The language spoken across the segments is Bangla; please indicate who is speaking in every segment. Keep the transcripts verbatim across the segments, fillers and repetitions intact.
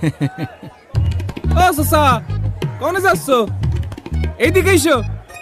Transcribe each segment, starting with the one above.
Speaker 1: ও সসা কোনে যাচ্ছ? এইদিকে এসো।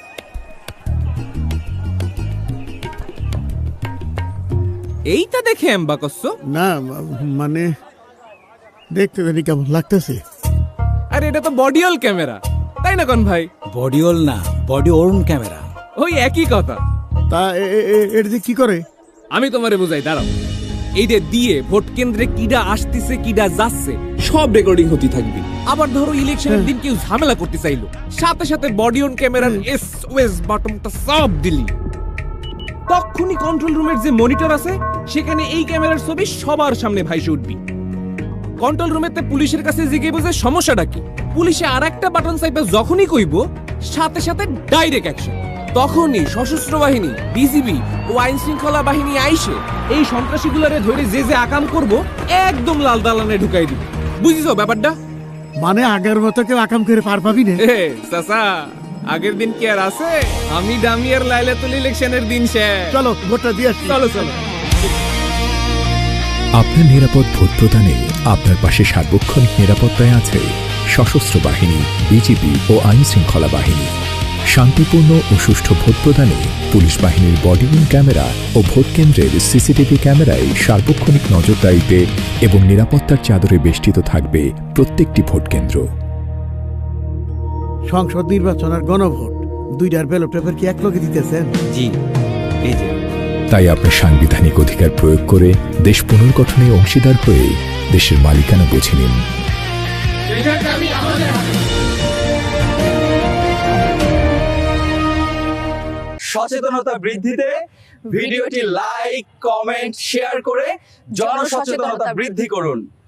Speaker 1: এইটা দেখে এমবা করছো?
Speaker 2: না মানে দেখতে জানি কেমন লাগতেছে।
Speaker 1: আরে এটা তো বডিওল ক্যামেরা, তাই না কোন ভাই?
Speaker 3: বডিওল না, বডি ওর্ন ক্যামেরা।
Speaker 1: ওই একই কথা।
Speaker 2: তা এর যে কি করে?
Speaker 1: আমি তোমারে বুঝাই, দাঁড়াও। এইটা দিয়ে ভোট কেন্দ্রে কিডা আসতেছে কিডা যাচ্ছে সব রেকর্ডিং হতে থাকবে। আবার ধরো ইলেকশনের দিন কেউ ঝামেলা করতে চাইলো, সাথে সাথে বডি অন ক্যামেরার এসওএস বাটনটা সব দিলি, তখনই কন্ট্রোল রুমের যে মনিটর আছে সেখানে এই ক্যামেরার ছবি সবার সামনে ভাইসে উঠবি। কন্ট্রোল রুমেতে পুলিশের কাছে জিজ্ঞেস বুঝে সমস্যাটা কি, পুলিশে আর একটা বাটন চাইবে যখনই কইব সাথে সাথে ডাইরেক্ট অ্যাকশন। তখনই সশস্ত্র বাহিনী, বিজিবি ও আইন শৃঙ্খলা বাহিনী আইসে এই সন্ত্রাসীগুলোরে ধরে যে যে আকাম করব একদম লাল দালানে ঢুকাই দিবে। বুঝিছো ব্যাপারটা?
Speaker 2: মানে আগের মতো কেউ আকাম করে পার পাবি না?
Speaker 1: এ চাচা, আগের দিন কি আর আছে? আমি ডামিয়ার লাইলাতুল ইলেকশনের দিন শেষ।
Speaker 2: চলো ভোটটা দিয়ে আসি।
Speaker 1: চলো চলো।
Speaker 4: আপনার নিরাপদ ভোট প্রদানে আপনার পাশে সার্বক্ষণিক নিরাপত্তায় আছে সশস্ত্র বাহিনী, বিজিবি ও আইন শৃঙ্খলা বাহিনী। শান্তিপূর্ণ ও সুষ্ঠু ভোট প্রদানে পুলিশ বাহিনীর বডিওন ক্যামেরা ও ভোট কেন্দ্রের সিসিটিভি ক্যামেরায় সার্বক্ষণিক নজরদারিতে এবং নিরাপত্তার চাদরে বেষ্টিত থাকবে প্রত্যেকটি ভোট কেন্দ্র।
Speaker 2: সংসদ নির্বাচন আর গণভোট দুইটার ব্যালট পেপার কি এক লগে দিতেছেন?
Speaker 3: জি, এই যে।
Speaker 4: তাই আপনার সাংবিধানিক অধিকার প্রয়োগ করে দেশ পুনর্গঠনে অংশীদার হয়ে দেশের মালিকানা বুঝে নিন।
Speaker 5: সচেতনতা বৃদ্ধিতে ভিডিওটি লাইক, কমেন্ট, শেয়ার করে জনসচেতনতা বৃদ্ধি করুন।